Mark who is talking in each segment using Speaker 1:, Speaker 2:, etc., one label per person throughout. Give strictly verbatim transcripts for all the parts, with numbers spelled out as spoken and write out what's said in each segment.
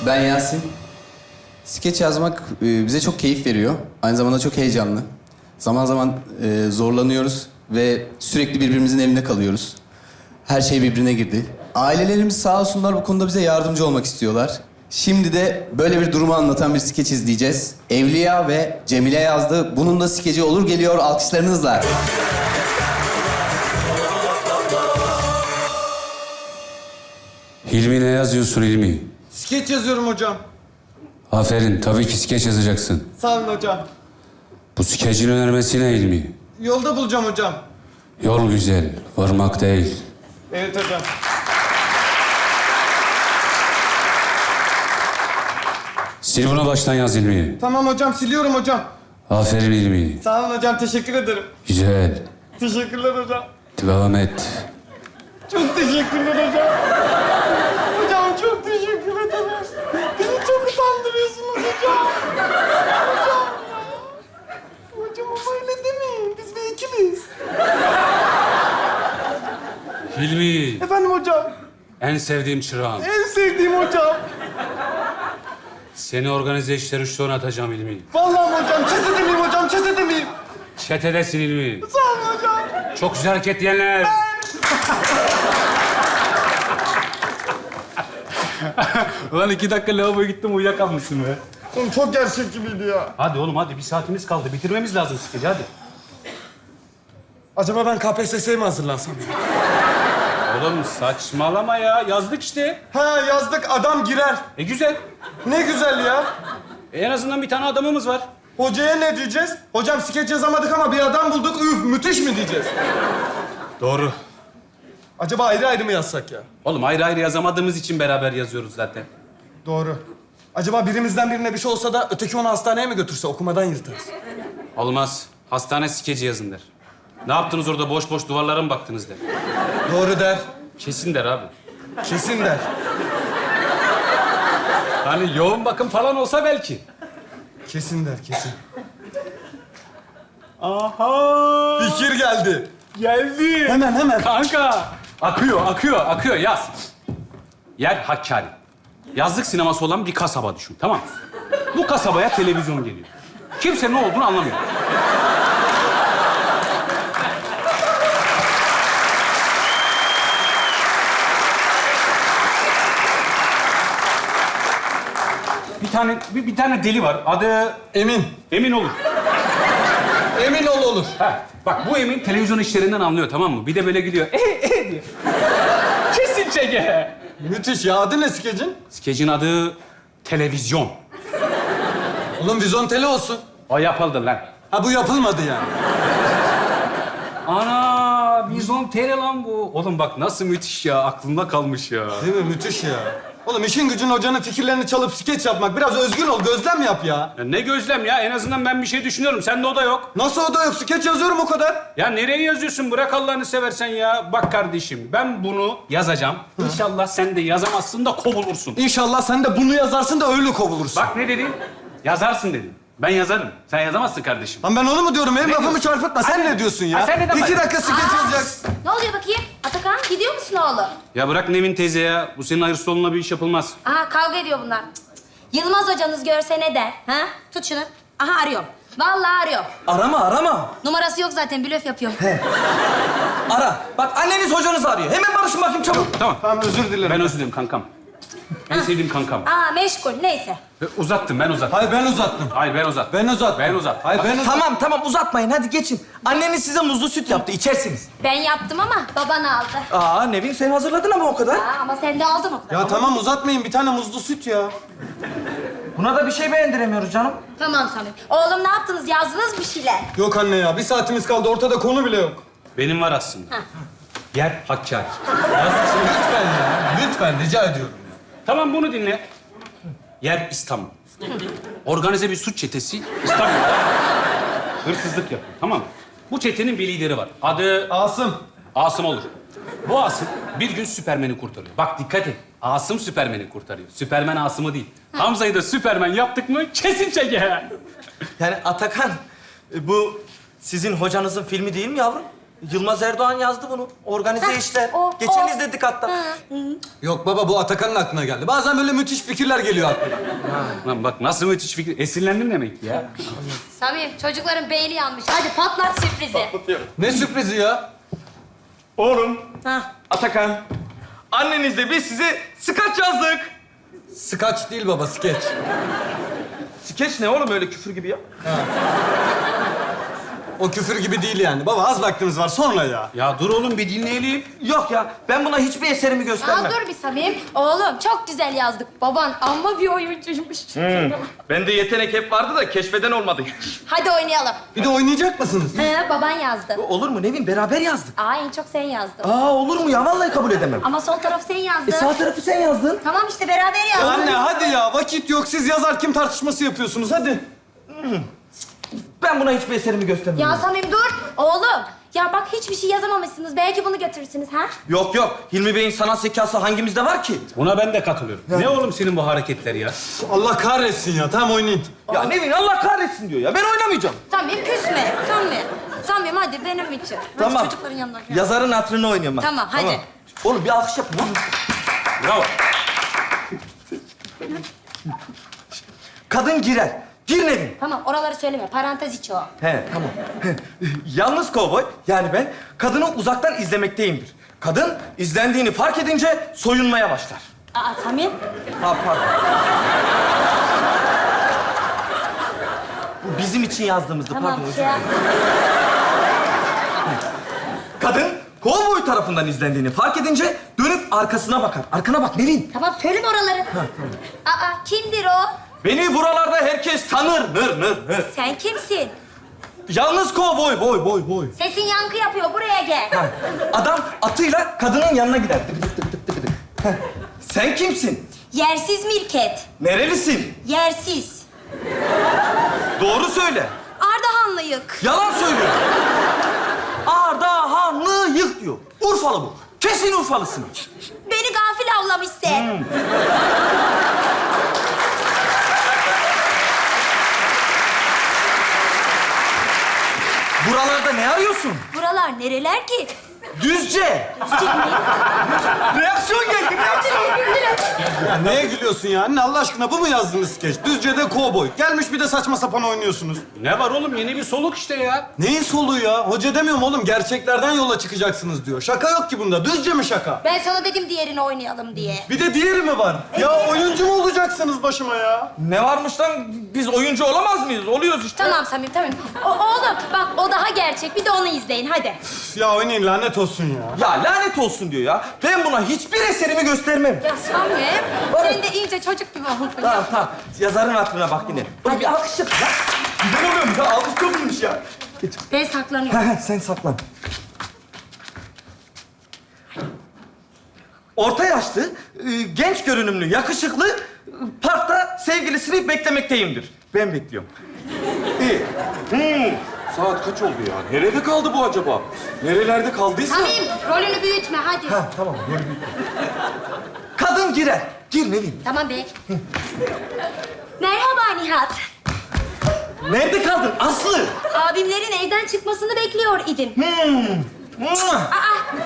Speaker 1: Ben Yasin. Skeç yazmak e, bize çok keyif veriyor. Aynı zamanda çok heyecanlı. Zaman zaman e, zorlanıyoruz ve sürekli birbirimizin evinde kalıyoruz. Her şey birbirine girdi. Ailelerimiz sağ olsunlar bu konuda bize yardımcı olmak istiyorlar. Şimdi de böyle bir durumu anlatan bir skeç izleyeceğiz. Evliya ve Cemile yazdı. Bunun da skeci olur geliyor alkışlarınızla.
Speaker 2: Hilmi ne yazıyorsun Hilmi?
Speaker 3: Skeç yazıyorum hocam.
Speaker 2: Aferin, tabii ki skeç yazacaksın.
Speaker 3: Sağ olun hocam.
Speaker 2: Bu skecin önermesi ne Hilmi?
Speaker 3: Yolda bulacağım hocam.
Speaker 2: Yol güzel, varmak değil.
Speaker 3: Evet hocam.
Speaker 2: Sil bunu baştan yaz Hilmi.
Speaker 3: Tamam hocam, siliyorum hocam.
Speaker 2: Aferin Hilmi.
Speaker 3: Sağ olun hocam, teşekkür ederim.
Speaker 2: Güzel.
Speaker 3: Teşekkürler hocam.
Speaker 2: Devam et.
Speaker 3: Çok teşekkürler hocam. Hocam çok teşekkür ederim. Beni çok utandırıyorsunuz hocam. Hocam ya. Hocam ama öyle demeyin. Biz bir ekibiz.
Speaker 2: Hilmi,
Speaker 3: Efendim hocam.
Speaker 2: en sevdiğim çırağım.
Speaker 3: En sevdiğim hocam.
Speaker 2: Seni organize işleri üçte atacağım Hilmi.
Speaker 3: Vallahi hocam, çetede miyim hocam, çetede miyim?
Speaker 2: Çetedesin Hilmi.
Speaker 3: Sağ olun hocam.
Speaker 2: Çok güzel hareket diyenler. Ulan iki dakika lavaboya gittim uyuyakalmışsın be.
Speaker 3: Oğlum çok gerçek gibiydi ya.
Speaker 2: Hadi oğlum hadi, bir saatimiz kaldı. Bitirmemiz lazım skeci, hadi.
Speaker 3: Acaba ben K P S S'ye mi hazırlansam?
Speaker 2: Oğlum saçmalama ya. Yazdık işte.
Speaker 3: Ha yazdık, adam girer.
Speaker 2: E güzel.
Speaker 3: Ne güzel ya.
Speaker 2: E, en azından bir tane adamımız var.
Speaker 3: Hocaya ne diyeceğiz? Hocam skeç yazamadık ama bir adam bulduk. Üf, müthiş mi diyeceğiz?
Speaker 2: Doğru.
Speaker 3: Acaba ayrı ayrı mı yazsak ya?
Speaker 2: Oğlum ayrı ayrı yazamadığımız için beraber yazıyoruz zaten.
Speaker 3: Doğru. Acaba birimizden birine bir şey olsa da öteki onu hastaneye mi götürse okumadan yırtarız?
Speaker 2: Olmaz. Hastane skeci yazın der. Ne yaptınız orada, boş boş duvarlara mı baktınız der.
Speaker 3: Doğru der.
Speaker 2: Kesin der abi.
Speaker 3: Kesin der.
Speaker 2: Hani yoğun bakım falan olsa belki.
Speaker 3: Kesin der, kesin.
Speaker 2: Aha!
Speaker 3: Fikir geldi.
Speaker 2: Geldi.
Speaker 3: Hemen, hemen.
Speaker 2: Kanka. Akıyor, akıyor, akıyor. Yaz. Yer Hakkari. Yazlık sineması olan bir kasaba düşün, tamam mı? Bu kasabaya televizyon geliyor. Kimse ne olduğunu anlamıyor. Bir tane bir, bir tane deli var. Adı
Speaker 3: Emin.
Speaker 2: Emin olur.
Speaker 3: Emin ol olur.
Speaker 2: Ha, bak bu Emin televizyon işlerinden anlıyor, tamam mı? Bir de böyle gidiyor. E e diyor. Kesin çeke.
Speaker 3: Müthiş ya. Adı ne skecin?
Speaker 2: Skecin adı televizyon.
Speaker 3: Oğlum vizontele olsun.
Speaker 2: O yapıldı lan.
Speaker 3: Ha bu yapılmadı yani.
Speaker 2: Ana, vizyon tele lan bu. Oğlum bak nasıl müthiş ya, aklımda kalmış ya.
Speaker 3: Değil mi? Müthiş ya. Oğlum işin gücün hocanın fikirlerini çalıp skeç yapmak. Biraz özgün ol, gözlem yap ya.
Speaker 2: Ya ne gözlem ya, en azından ben bir şey düşünüyorum. Sende o da yok.
Speaker 3: Nasıl o da yok? Skeç yazıyorum o kadar.
Speaker 2: Ya nereye yazıyorsun? Bırak Allah'ını seversen ya. Bak kardeşim, ben bunu yazacağım. İnşallah sen de yazamazsın da kovulursun.
Speaker 3: İnşallah sen de bunu yazarsın da öyle kovulursun.
Speaker 2: Bak ne dedim? Yazarsın dedim. Ben yazarım. Sen yazamazsın kardeşim.
Speaker 3: Lan ben onu mu diyorum? Benim
Speaker 2: Ne
Speaker 3: lafımı
Speaker 2: diyorsun?
Speaker 3: çarpıtma. Sen
Speaker 2: Hadi.
Speaker 3: ne diyorsun ya?
Speaker 2: Ha, sen neden
Speaker 3: İki
Speaker 2: bak-
Speaker 3: dakika skeç
Speaker 4: Aa,
Speaker 3: yazacaksın.
Speaker 4: Ne oluyor bakayım? Atakan gidiyor musun oğlum?
Speaker 2: Ya bırak Nevin teyze ya. Bu senin hayır soluna bir iş yapılmaz.
Speaker 4: Aha kavga ediyor bunlar. Cık, cık. Yılmaz hocanız görse ne der? Ha? Tut şunu. Aha arıyorum. Vallahi arıyorum.
Speaker 5: Arama, arama.
Speaker 4: Numarası yok zaten blöf yapıyorum.
Speaker 5: Ara. Bak anneniz hocanız arıyor. Hemen barışın bakayım çabuk.
Speaker 2: Tamam.
Speaker 3: Tamam özür dilerim.
Speaker 2: Ben özür dilerim kankam. En sevdiğim kankam.
Speaker 4: Aa meşgul neyse.
Speaker 2: Ve uzattım, ben uzattım.
Speaker 3: Hayır ben uzattım.
Speaker 2: Hayır ben uzattım.
Speaker 3: Ben uzattım.
Speaker 2: Ben uzattım.
Speaker 3: Hayır ben uzattım.
Speaker 5: Tamam, tamam uzatmayın. Hadi geçin. Anneniz size muzlu süt yaptı. İçersiniz.
Speaker 4: Ben yaptım ama baban aldı.
Speaker 5: Aa Nevin sen hazırladın ama o kadar.
Speaker 4: Aa, ama sen de aldın o kadar.
Speaker 3: Ya tamam uzatmayın. Bir tane muzlu süt ya.
Speaker 5: Buna da bir şey beğendiremiyoruz canım.
Speaker 4: Tamam Samim. Oğlum ne yaptınız? Yazdınız bir şeyler.
Speaker 3: Yok anne ya. Bir saatimiz kaldı. Ortada konu bile yok.
Speaker 2: Benim var aslında.
Speaker 4: Ha.
Speaker 2: Yer Hakkari.
Speaker 3: Yazdıksın lütfen ya. Lütfen rica ediyorum.
Speaker 2: Tamam bunu dinle. Yer İstanbul. Organize bir suç çetesi İstanbul'da hırsızlık yapıyor, tamam mı? Bu çetenin bir lideri var. Adı
Speaker 3: Asım.
Speaker 2: Asım olur. Bu Asım bir gün Süpermen'i kurtarıyor. Bak dikkat et. Asım Süpermen'i kurtarıyor. Süpermen Asım'ı değil. Hamza'yı da Süpermen yaptık mı kesin çeker.
Speaker 5: Yani Atakan, e, bu sizin hocanızın filmi değil mi yavrum? Yılmaz Erdoğan yazdı bunu. Organize
Speaker 4: Heh,
Speaker 5: işler.
Speaker 4: o,
Speaker 5: Geçen
Speaker 4: o.
Speaker 5: izledik hatta.
Speaker 3: Yok baba bu Atakan'ın aklına geldi. Bazen böyle müthiş fikirler geliyor aklına.
Speaker 2: Lan bak nasıl müthiş fikir. Esinlendim demek ki ya.
Speaker 4: Samim çocukların beyni yanmış. Hadi patlat sürprizi.
Speaker 3: Ne sürprizi ya?
Speaker 5: Oğlum,
Speaker 4: Hah.
Speaker 5: Atakan. Annenizle biz size skaç yazdık.
Speaker 3: Skaç değil baba, skeç.
Speaker 5: Skeç ne oğlum öyle küfür gibi ya?
Speaker 3: O küfür gibi değil yani. Baba az vaktimiz var sonra ya.
Speaker 2: Ya dur oğlum bir dinleyelim.
Speaker 5: Yok ya, ben buna hiçbir eserimi göstermem.
Speaker 4: Aa, dur bir Samim. Oğlum çok güzel yazdık. Baban amma bir oyuncuymuş.
Speaker 5: Bende yetenek hep vardı da keşfeden olmadı.
Speaker 4: Hadi oynayalım.
Speaker 3: Bir de oynayacak mısınız?
Speaker 4: He, baban yazdı.
Speaker 5: Olur mu Nevin? Beraber yazdık.
Speaker 4: Aa, en çok sen yazdın.
Speaker 5: Aa olur mu ya? Vallahi kabul edemem.
Speaker 4: Ama sol tarafı sen yazdın.
Speaker 5: E sağ tarafı sen yazdın.
Speaker 4: Tamam işte beraber yazdık.
Speaker 3: Anne hadi ya, vakit yok. Siz yazar kim tartışması yapıyorsunuz, hadi.
Speaker 5: Ben buna hiçbir eserimi göstermem.
Speaker 4: Ya Samim dur. Oğlum. Ya bak hiçbir şey yazamamışsınız. Belki bunu götürürsünüz ha?
Speaker 5: Yok yok. Hilmi Bey'in sanat zekası hangimizde var ki?
Speaker 2: Buna ben de katılıyorum. Ne oğlum senin bu hareketler ya?
Speaker 3: Allah kahretsin ya, tamam oynayın.
Speaker 5: Ya Nevin Allah kahretsin diyor ya. Ben oynamayacağım.
Speaker 4: Samim küsme. Samim. Samim hadi benim için. Hadi
Speaker 5: Tamam.
Speaker 4: çocukların yanına. gel.
Speaker 5: Yazarın hatırını oynuyorum ben.
Speaker 4: Tamam, hadi.
Speaker 5: Oğlum bir alkış yapın lan.
Speaker 2: Bravo.
Speaker 5: Kadın girer. Gir Nevin.
Speaker 4: Tamam oraları söyleme. Parantez içi o.
Speaker 5: He tamam. Yalnız kovboy yani ben kadını uzaktan izlemekteyimdir. Kadın izlendiğini fark edince soyunmaya başlar.
Speaker 4: Aa Samim.
Speaker 5: Ha pardon. Bu bizim için yazdığımızdı
Speaker 4: Tamam
Speaker 5: pardon.
Speaker 4: şey yap.
Speaker 5: Kadın kovboy tarafından izlendiğini fark edince dönüp arkasına bakar. Arkana bak Nevin.
Speaker 4: Tamam söyleme oraları. Aa kimdir o?
Speaker 5: Beni buralarda herkes tanır. Nır nır nır.
Speaker 4: Sen kimsin?
Speaker 5: Yalnız kovboy boy boy boy.
Speaker 4: Sesin yankı yapıyor. Buraya gel.
Speaker 5: Ha, adam atıyla kadının yanına gider. Tık tık tık tık tık tık. Heh. Sen kimsin?
Speaker 4: Yersiz Mirket.
Speaker 5: Nerelisin?
Speaker 4: Yersiz.
Speaker 5: Doğru söyle.
Speaker 4: Ardahanlıyık.
Speaker 5: Yalan söylüyor. Ardahanlı yık diyor. Urfalı bu. Kesin Urfalısın.
Speaker 4: Beni gafil avlamış sen.
Speaker 5: Buralarda ne arıyorsun?
Speaker 4: Buralar nereler ki?
Speaker 5: Düzce. Reaksiyon geldi, reaksiyon.
Speaker 3: Ya neye gülüyorsun ya? Anne Allah aşkına bu mu yazdığınız skeç? Düzce'de kovboy. Gelmiş bir de saçma sapan oynuyorsunuz.
Speaker 2: Ne var oğlum yeni bir soluk işte ya.
Speaker 3: Neyin soluğu ya? Hoca demiyorum oğlum, gerçeklerden yola çıkacaksınız diyor. Şaka yok ki bunda. Düzce mi şaka?
Speaker 4: Ben sana dedim diğerini oynayalım diye.
Speaker 3: Bir de diğeri mi var? Ya oyuncu mu olacaksınız başıma ya?
Speaker 5: Ne varmış lan? Biz oyuncu olamaz mıyız? Oluyoruz işte.
Speaker 4: Tamam Samim tamam. O, oğlum bak o daha gerçek. Bir de onu izleyin hadi.
Speaker 3: Üf, ya oynayın, lanet olsun ya.
Speaker 5: Ya lanet olsun diyor ya. Ben buna hiçbir eserimi göstermem.
Speaker 4: Ya Samim sen de iyice çocuk gibi oldun.
Speaker 5: Tamam tamam. Yazarın hatırına bak yine. Oğlum bir alkış yap. Ya. Güzel oluyormuş ya. Alkış çok iyiymiş ya.
Speaker 4: Ben saklanıyorum.
Speaker 5: He he sen saklan. Orta yaşlı, e, genç görünümlü, yakışıklı, e, parkta sevgilisini beklemekteyimdir. Ben bekliyorum.
Speaker 6: İyi. Hmm. Saat kaç oldu ya? Nerede kaldı bu acaba? Nerelerde kaldıysa?
Speaker 4: Samim rolünü büyütme hadi.
Speaker 5: Ha tamam. Böyle bir... Kadın girer. Gir Nevin.
Speaker 4: Tamam be. Merhaba Nihat.
Speaker 5: Nerede kaldın Aslı?
Speaker 4: Abimlerin evden çıkmasını bekliyor idim.
Speaker 5: Mua!
Speaker 4: Aa!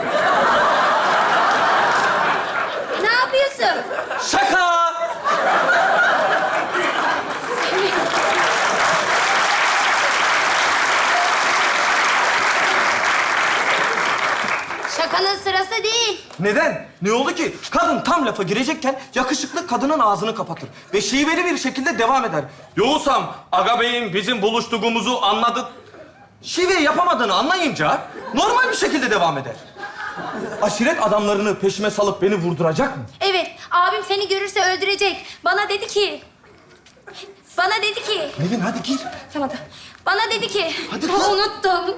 Speaker 4: Ne yapıyorsun?
Speaker 5: Şaka!
Speaker 4: Şakanın sırası değil.
Speaker 5: Neden? Ne oldu ki? Kadın tam lafa girecekken yakışıklı kadının ağzını kapatır. Ve şiveli bir şekilde devam eder. Yoğusam, Aga Bey'in bizim buluştuğumuzu anladı. Şiveyi yapamadığını anlayınca normal bir şekilde devam eder. Aşiret adamlarını peşime salıp beni vurduracak mı?
Speaker 4: Evet, abim seni görürse öldürecek. Bana dedi ki... Bana dedi ki...
Speaker 5: Nevin hadi gir.
Speaker 4: Tamam, tamam. Bana dedi ki...
Speaker 5: Hadi
Speaker 4: Ama
Speaker 5: kız.
Speaker 4: unuttum.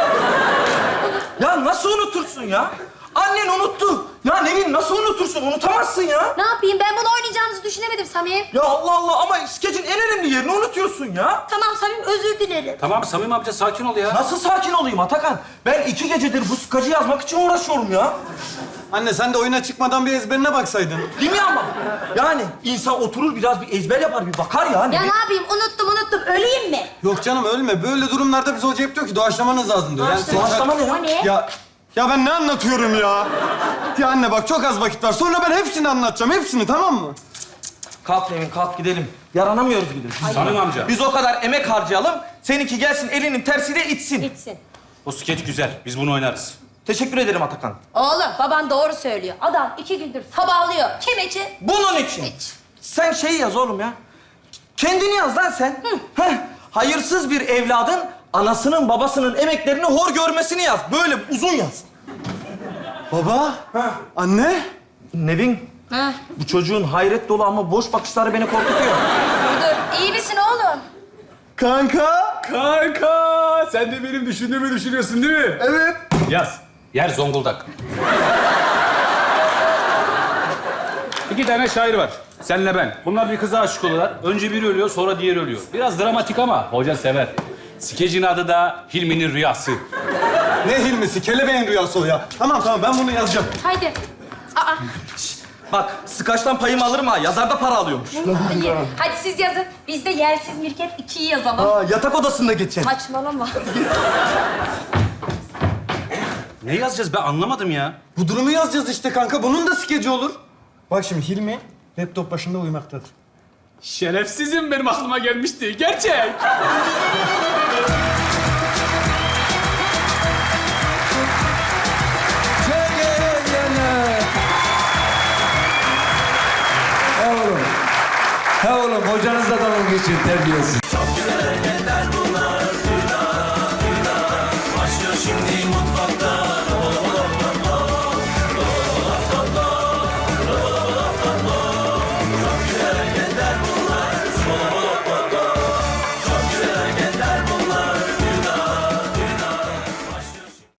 Speaker 5: Ya nasıl unutursun ya? Annen unuttu. Ya Nevin nasıl unutursun? Unutamazsın ya.
Speaker 4: Ne yapayım? Ben bunu oynayacağımızı düşünemedim Samim.
Speaker 5: Ya Allah Allah ama skecin en önemli yerini unutuyorsun ya.
Speaker 4: Tamam Samim, özür dilerim.
Speaker 2: Tamam Samim amca sakin ol ya.
Speaker 5: Nasıl sakin olayım Atakan? Ben iki gecedir bu skacı yazmak için uğraşıyorum ya.
Speaker 3: Anne sen de oyuna çıkmadan bir ezberine baksaydın.
Speaker 5: Değil mi ama? Yani insan oturur biraz bir ezber yapar, bir bakar ya.
Speaker 4: Ya
Speaker 5: Ne?
Speaker 4: ne yapayım? Unuttum unuttum. Öleyim mi?
Speaker 3: Yok canım ölme. Böyle durumlarda bize hoca hep diyor ki doğaçlamanız lazım diyor. Yani sen-
Speaker 5: Doğaçlama ne
Speaker 4: O
Speaker 5: ya?
Speaker 4: ne?
Speaker 3: Ya, ya ben ne anlatıyorum ya? Ya anne bak çok az vakit var. Sonra ben hepsini anlatacağım. Hepsini tamam mı?
Speaker 5: Kalk Nevin, kalk gidelim. Yaranamıyoruz bir de.
Speaker 2: Samim amca.
Speaker 5: Biz o kadar emek harcayalım, seninki gelsin elinin tersiyle itsin.
Speaker 4: Gitsin.
Speaker 2: O skeç güzel. Biz bunu oynarız.
Speaker 5: Teşekkür ederim Atakan.
Speaker 4: Oğlum baban doğru söylüyor. Adam iki gündür sabahlıyor. Kim için?
Speaker 5: Bunun için.
Speaker 4: Hiç.
Speaker 5: Sen şeyi yaz oğlum ya. Kendini yaz lan sen. Heh. Hayırsız bir evladın anasının babasının emeklerini hor görmesini yaz. Böyle uzun yaz.
Speaker 3: Baba. Anne.
Speaker 5: Nevin,
Speaker 4: Ha,
Speaker 5: bu çocuğun hayret dolu ama boş bakışları beni korkutuyor.
Speaker 4: dur dur. İyi misin oğlum?
Speaker 3: Kanka.
Speaker 2: Kanka! Sen de benim düşündüğümü düşünüyorsun değil mi?
Speaker 3: Evet.
Speaker 2: Yaz. Yer Zonguldak. İki tane şair var. Senle ben. Bunlar bir kıza aşık oluyorlar. Önce biri ölüyor, sonra diğeri ölüyor. Biraz dramatik ama hoca sever. Skecin adı da Hilmi'nin Rüyası.
Speaker 3: Ne Hilmi'si? Kelebeğin rüyası o ya. Tamam tamam ben bunu yazacağım.
Speaker 4: Haydi. Aa.
Speaker 5: Bak, sıkaçtan payımı alırım ha. Yazar da para alıyormuş.
Speaker 4: iyi. Hadi siz yazın. Biz de yersiz mirket ikiyi yazalım.
Speaker 5: Aa, yatak odasında geçelim.
Speaker 4: Saçmalama.
Speaker 2: Ne yazacağız ben anlamadım ya.
Speaker 3: Bu durumu yazacağız işte kanka. Bunun da skeci olur. Bak şimdi Hilmi laptop başında uyumaktadır.
Speaker 2: Şerefsizim benim aklıma gelmişti. Gerçek.
Speaker 7: Ha oğlum. Ha oğlum hocanızla dalga geçin terbiyesiz.